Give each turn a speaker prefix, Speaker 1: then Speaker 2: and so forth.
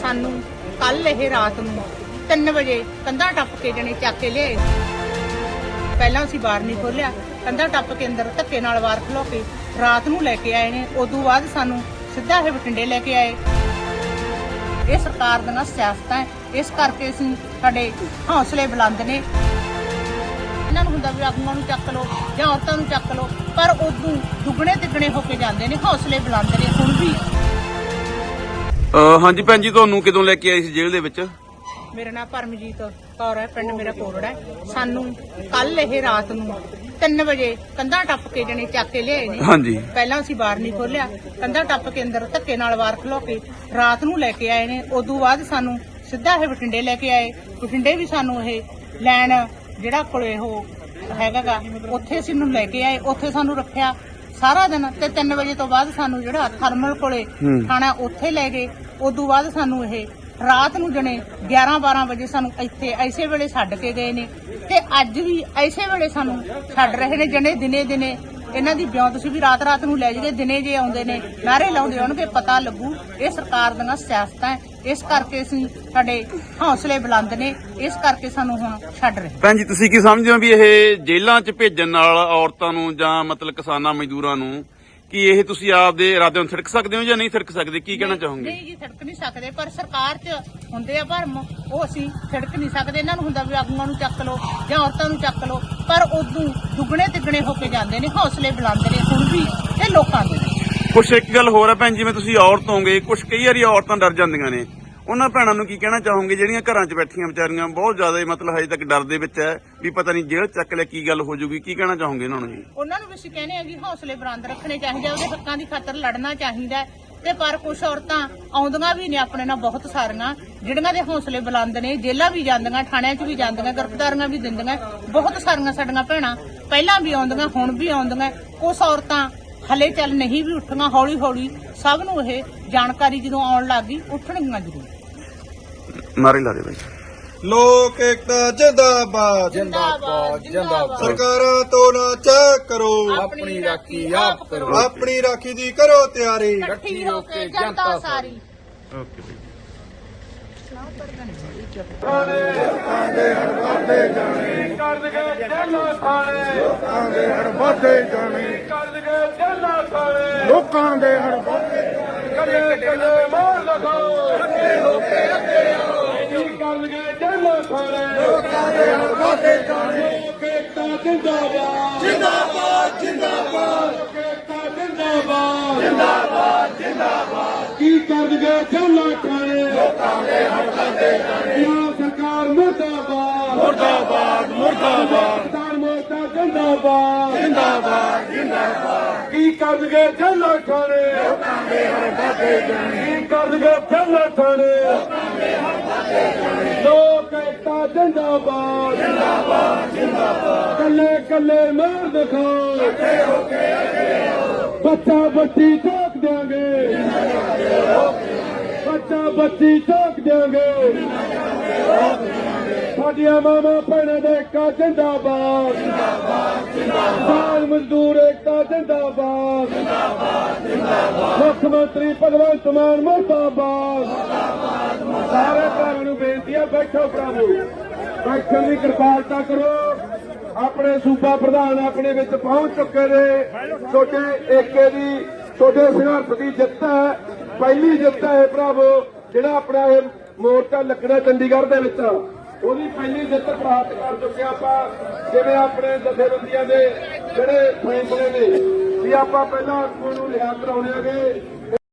Speaker 1: ਸਾਨੂੰ ਕੱਲ ਇਹ ਰਾਤ ਨੂੰ 3 ਵਜੇ ਕੰਧਾਂ ਟੱਪ ਕੇ ਜਣੇ ਚੱਕ ਕੇ ਲਿਆਏ। ਪਹਿਲਾਂ ਅਸੀਂ ਬਾਹਰ ਨਹੀਂ ਖੋਲਿਆ, ਕੰਧਾਂ ਟੱਪ ਕੇ ਅੰਦਰ ਧੱਕੇ ਨਾਲ ਬਾਹਰ ਖਲੋ ਕੇ ਰਾਤ ਨੂੰ ਲੈ ਕੇ ਆਏ ਨੇ। ਉਦੋਂ ਬਾਅਦ ਸਾਨੂੰ ਸਿੱਧਾ ਇਹ ਬਠਿੰਡੇ ਲੈ ਕੇ ਆਏ। ਇਹ ਸਰਕਾਰ ਦੀਆਂ ਸਿਆਸਤਾਂ ਹੈ, ਇਸ ਕਰਕੇ ਅਸੀਂ ਸਾਡੇ ਹੌਸਲੇ ਬੁਲੰਦ ਨੇ। ਇਹਨਾਂ ਨੂੰ ਹੁੰਦਾ ਵੀ ਆਗੂਆਂ ਨੂੰ ਚੱਕ ਲਓ ਜਾਂ ਔਰਤਾਂ ਨੂੰ ਚੱਕ ਲਓ, ਪਰ ਉਦੋਂ ਦੁੱਗਣੇ ਤਿੱਗਣੇ ਹੋ ਕੇ ਜਾਂਦੇ ਨੇ। ਹੌਸਲੇ ਬੁਲੰਦ ਨੇ ਹੁਣ ਵੀ।
Speaker 2: ਹਾਂਜੀ ਭੈਣ ਜੀ, ਤੁਹਾਨੂੰ ਕਦੋਂ ਲੈ ਕੇ ਆਏ ਸੀ ਜੇਲ੍ਹ ਦੇ ਵਿੱਚ?
Speaker 1: ਮੇਰਾ ਨਾਮ ਪਰਮਜੀਤ ਕੌਰ ਹੈ, ਪਿੰਡ ਮੇਰਾ ਕੋਰੜਾ ਹੈ। ਸਾਨੂੰ ਕੱਲ ਇਹ ਰਾਤ ਨੂੰ 3 ਵਜੇ ਕੰਧਾਂ ਟੱਪ ਕੇ ਜਣੇ ਚੱਕ ਕੇ ਲਿਆਏ ਨੇ।
Speaker 2: ਹਾਂਜੀ।
Speaker 1: ਪਹਿਲਾਂ ਅਸੀਂ ਬਾਹਰ ਨਹੀਂ ਖੋਲਿਆ, ਕੰਧਾਂ ਟੱਪ ਕੇ ਅੰਦਰ ਧੱਕੇ ਨਾਲ ਬਾਹਰ ਖਲੋ ਕੇ ਰਾਤ ਨੂੰ ਲੈ ਕੇ ਆਏ ਨੇ। ਉਦੋਂ ਬਾਅਦ ਸਾਨੂੰ ਸਿੱਧਾ ਇਹ ਬਠਿੰਡੇ ਲੈ ਕੇ ਆਏ। ਬਠਿੰਡੇ ਵੀ ਸਾਨੂੰ ਇਹ ਲੈਣ ਜਿਹੜਾ ਕੋਲੇ ਉਹ ਹੈਗਾ ਉੱਥੇ ਅਸੀਂ ਨੂੰ ਲੈ ਕੇ ਆਏ। ਉੱਥੇ ਸਾਨੂੰ ਰੱਖਿਆ ਸਾਰਾ ਦਿਨ ਤੇ 3 ਵਜੇ ਤੋਂ ਬਾਅਦ ਸਾਨੂੰ ਜਿਹੜਾ ਥਰਮਲ ਕੋਲੇ ਥਾਣਾ ਉੱਥੇ ਲੈ ਗਏ। ਉਦੋਂ ਬਾਅਦ ਸਾਨੂੰ ਇਹ ਰਾਤ ਨੂੰ ਜਣੇ 11-12 ਵਜੇ ਸਾਨੂੰ ਇੱਥੇ ਐਸੇ ਵੇਲੇ ਛੱਡ ਕੇ ਗਏ ਨੇ ਤੇ ਅੱਜ ਵੀ ਐਸੇ ਵੇਲੇ ਸਾਨੂੰ ਛੱਡ ਰਹੇ ਨੇ। ਜਣੇ ਦਿਨੇ ਇਹਨਾਂ ਦੀ ਬਿਉਂਤ ਸੀ ਵੀ ਰਾਤ ਨੂੰ ਲੈ ਜਾਈਏ, ਦਿਨੇ ਜੇ ਆਉਂਦੇ ਨੇ ਨਾਰੇ ਲਾਉਂਦੇ ਹੋਣਗੇ ਪਤਾ ਲੱਗੂ। ਇਹ ਸਰਕਾਰ ਦੀਆਂ ਸਿਆਸਤਾਂ ਹੈ, ਇਸ ਕਰਕੇ ਅਸੀਂ ਸਾਡੇ ਹੌਸਲੇ ਬੁਲੰਦ ਨੇ, ਇਸ ਕਰਕੇ ਸਾਨੂੰ ਹੁਣ ਛੱਡ ਰਹੇ।
Speaker 2: ਭੈਣ ਜੀ, ਤੁਸੀਂ ਕੀ ਸਮਝਦੇ ਹੋ ਵੀ ਇਹ ਜੇਲ੍ਹਾਂ 'ਚ ਭੇਜਣ ਨਾਲ ਔਰਤਾਂ ਨੂੰ ਜਾਂ ਮਤਲਬ ਕਿਸਾਨਾਂ ਮਜ਼ਦੂਰਾਂ ਨੂੰ ਕੀ ਇਹ ਤੁਸੀਂ ਆਪਦੇ ਇਰਾਦੇ ਨੂੰ ਥਿੜਕ ਸਕਦੇ ਹੋ ਜਾਂ ਨਹੀਂ ਥਿੜਕ ਸਕਦੇ? ਕੀ ਕਹਿਣਾ ਚਾਹੋਗੇ?
Speaker 1: ਨਹੀਂ ਜੀ, ਥਿੜਕ ਨਹੀਂ ਸਕਦੇ, ਪਰ ਸਰਕਾਰ 'ਚ ਹੁੰਦੇ ਆ ਭਰਮ, ਉਹ ਅਸੀਂ ਥਿੜਕ ਨਹੀਂ ਸਕਦੇ। ਇਹਨਾਂ ਨੂੰ ਹੁੰਦਾ ਵੀ ਆਗੂਆਂ ਨੂੰ ਚੱਕ ਲਓ ਜਾਂ ਔਰਤਾਂ ਨੂੰ ਚੱਕ ਲਓ, ਪਰ ਉਦੋਂ ਦੁੱਗਣੇ ਤਿੱਗਣੇ ਹੋ ਕੇ ਜਾਂਦੇ ਨੇ। ਹੌਸਲੇ ਬੁਲੰਦ ਨੇ ਹੁਣ ਵੀ ਇਹ ਲੋਕਾਂ ਦੇ।
Speaker 2: ਕੁਛ ਇੱਕ ਗੱਲ ਹੋਰ ਹੈ ਭੈਣ, ਜਿਵੇਂ ਤੁਸੀਂ ਔਰਤ ਹੋਗੇ, ਕੁਛ ਕਈ ਵਾਰੀ ਔਰਤਾਂ ਡਰ ਜਾਂਦੀਆਂ ਨੇ, ਉਹਨਾਂ ਭੈਣਾਂ ਨੂੰ ਕੀ ਕਹਿਣਾ ਚਾਹੋਗੇ ਜਿਹੜੀਆਂ ਘਰਾਂ 'ਚ ਬੈਠੀਆਂ ਵਿਚਾਰੀਆਂ ਬਹੁਤ ਜ਼ਿਆਦਾ ਮਤਲਬ ਹਜੇ ਤੱਕ ਡਰ ਦੇ ਵਿੱਚ ਹੈ ਵੀ ਪਤਾ ਨਹੀਂ ਜੇਲ੍ਹ ਚੱਕ ਲਿਆ ਕੀ ਗੱਲ ਹੋ ਜਾਊਗੀ? ਕੀ ਕਹਿਣਾ ਚਾਹੋਗੇ ਇਹਨਾਂ ਨੂੰ ਜੀ?
Speaker 1: ਉਹਨਾਂ ਨੂੰ ਵੀ ਅਸੀਂ ਕਹਿੰਦੇ ਆ ਵੀ ਹੌਸਲੇ ਬੁਲੰਦ ਰੱਖਣੇ ਚਾਹੀਦੇ, ਉਹਦੇ ਹੱਕਾਂ ਦੀ ਖਾਤਰ ਲੜਨਾ ਚਾਹੀਦਾ ਤੇ ਪਰ ਕੁਝ ਔਰਤਾਂ ਆਉਂਦੀਆਂ ਵੀ ਨੇ ਆਪਣੇ ਨਾਲ ਬਹੁਤ ਸਾਰੀਆਂ ਜਿਹੜੀਆਂ ਦੇ ਹੌਸਲੇ ਬੁਲੰਦ ਨੇ, ਜੇਲ੍ਹਾਂ ਵੀ ਜਾਂਦੀਆਂ, ਥਾਣਿਆਂ 'ਚ ਵੀ ਜਾਂਦੀਆਂ, ਗ੍ਰਿਫਤਾਰੀਆਂ ਵੀ ਦਿੰਦੀਆਂ। ਬਹੁਤ ਸਾਰੀਆਂ ਸਾਡੀਆਂ ਭੈਣਾਂ ਪਹਿਲਾਂ ਵੀ ਆਉਂਦੀਆਂ, ਹੁਣ ਵੀ ਆਉਂਦੀਆਂ। ਕੁਝ ਔਰਤਾਂ ਹਲੇ ਚੱਲ ਨਹੀਂ ਵੀ ਉੱਠੀਆਂ, ਹੌਲੀ ਹੌਲੀ ਸਭ ਨੂੰ ਇਹ ਜਾਣਕਾਰੀ ਜਦੋਂ ਆਉਣ ਲੱਗ ਗਈ ਉੱਠਣਗੀਆਂ ਜ਼ਰੂਰ।
Speaker 2: ਨਾਰੇ ਲਾ ਦੇ ਬਾਈ।
Speaker 3: ਲੋਕ ਏਕਤਾ ਜਿੰਦਾਬਾਦ
Speaker 1: ਜਿੰਦਾਬਾਦ ਜਿੰਦਾਬਾਦ।
Speaker 3: ਸਰਕਾਰਾਂ ਤੋਂ ਨਾ ਚੈੱਕ ਕਰੋ,
Speaker 1: ਆਪਣੀ ਰਾਖੀ ਆਪ ਕਰੋ,
Speaker 3: ਆਪਣੀ ਰਾਖੀ ਦੀ ਕਰੋ ਤਿਆਰੀ।
Speaker 1: ਇਕੱਠੀ ਹੋ ਕੇ ਜਨਤਾ ਸਾਰੀ।
Speaker 2: ਓਕੇ ਬਾਈ।
Speaker 3: ਲੋਕਾਂ ਦੇ ਹੜ ਵੱਧਦੇ ਜਾਣੇ, ਲੋਕਾਂ ਦੇ ਹੜ ਵੱਧਦੇ ਜਾਣੇ, ਲੋਕਾਂ ਦੇ ਹੜ ਵੱਧਦੇ ਜਾਣੇ। ਮਾਰ ਲਗਾਓ, ਅੱਗੇ ਹੋ ਕੇ ਅੱਗੇ ਆਓ, ਕੀ ਕਰਨਗੇ ਜੇਲ੍ਹਾਂ ਖਾਣੇ, ਲੋਕਾਂ ਦੇ ਹੜ ਵੱਧਦੇ ਜਾਣੇ। ਲੋਕ ਏਕਤਾ ਜਿੰਦਾਬਾਦ ਜਿੰਦਾਬਾਦ ਜਿੰਦਾਬਾਦ, ਲੋਕ ਏਕਤਾ ਜਿੰਦਾਬਾਦ ਜਿੰਦਾਬਾਦ ਜਿੰਦਾਬਾਦ। ਕੀ ਕਰਨਗੇ ਜੇਲ੍ਹਾਂ ਖਾਣੇ, ਲੋਕਾਂ ਦੇ ਹੜ ਵੱਧਦੇ ਜਾਣੇ। ਪੰਜਾਬ ਸਰਕਾਰ ਮੁਰਦਾਬਾਦ ਮੁਰਦਾਬਾਦ ਮੁਰਦਾਬਾਦ, ਕਿਸਾਨ ਮੋਰਚਾ ਜਿੰਦਾਬਾਦ ਜਿੰਦਾਬਾਦ ਜਿੰਦਾਬਾਦ। ਕੀ ਕਰਨਗੇ ਜੇਲ੍ਹਾਂ ਖਾਣੇ, ਲੋਕਾਂ ਦੇ ਹੜ ਵੱਧਦੇ ਜਾਣੇ। ਕੀ ਕਰਨਗੇ ਜੇਲ੍ਹਾਂ ਖਾਣੇ, ਲੋਕਾਂ ਦੇ ਹੜ ਵੱਧਦੇ ਜਾਣੇ। ਲੋਕ ਏਕਤਾ ਜਿੰਦਾਬਾਦ ਜਿੰਦਾਬਾਦ ਜਿੰਦਾਬਾਦ। ਕੱਲੇ ਕੱਲੇ ਮਾਰ ਦਿਖਾਓ, ਇਕੱਠੇ ਹੋ ਕੇ ਅੱਗੇ ਆਓ। ਬੱਚਾ ਬੱਚੀ ਠੋਕ ਦਿਆਂਗੇ, ਬੱਚਾ ਬੱਚੀ ਠੋਕ ਦਿਆਂਗੇ। ਸਾਡੀਆਂ ਮਾਵਾਂ ਭੈਣਾਂ ਦਾ ਏਕਤਾ ਜਿੰਦਾਬਾਦ ਜਿੰਦਾਬਾਦ ਜਿੰਦਾਬਾਦ। ਕਿਸਾਨ ਮਜ਼ਦੂਰ ਏਕਤਾ ਜਿੰਦਾਬਾਦ ਜਿੰਦਾਬਾਦ ਜਿੰਦਾਬਾਦ। ਮੁੱਖ ਮੰਤਰੀ ਭਗਵੰਤ ਮਾਨ ਮੁਰਦਾਬਾਦ ਮੁਰਦਾਬਾਦ। ਸਾਰੇ ਭੈਣਾਂ ਨੂੰ ਬੇਨਤੀ ਹੈ, ਬੈਠੋ ਭਰਾਵੋ, ਬੈਠਣ ਦੀ ਕਿਰਪਾਲਤਾ ਕਰੋ। ਆਪਣੇ ਸੂਬਾ ਪ੍ਰਧਾਨ ਆਪਣੇ ਵਿੱਚ ਪਹੁੰਚ ਚੁੱਕੇ ਨੇ। ਛੋਟੇ ਏਕੇ ਦੀ, ਛੋਟੇ ਸੰਘਰਸ਼ ਦੀ ਜਿੱਤ ਹੈ, ਪਹਿਲੀ ਜਿੱਤ ਹੈ ਭਰਾਵੋ। ਜਿਹੜਾ ਆਪਣਾ ਇਹ ਮੋਰਚਾ ਲੱਗਣਾ ਚੰਡੀਗੜ੍ਹ ਦੇ ਵਿੱਚ, ਉਹਦੀ ਪਹਿਲੀ ਜਿੱਤ ਪ੍ਰਾਪਤ ਕਰ ਚੁੱਕੇ ਆਪਾਂ। ਜਿਵੇਂ ਆਪਣੇ ਜਥੇਬੰਦੀਆਂ ਦੇ ਜਿਹੜੇ ਫੈਸਲੇ ਨੇ ਵੀ ਆਪਾਂ ਪਹਿਲਾਂ ਆਗੂਆਂ ਨੂੰ ਲਿਆ ਕਰਾਉਣੇਗੇ,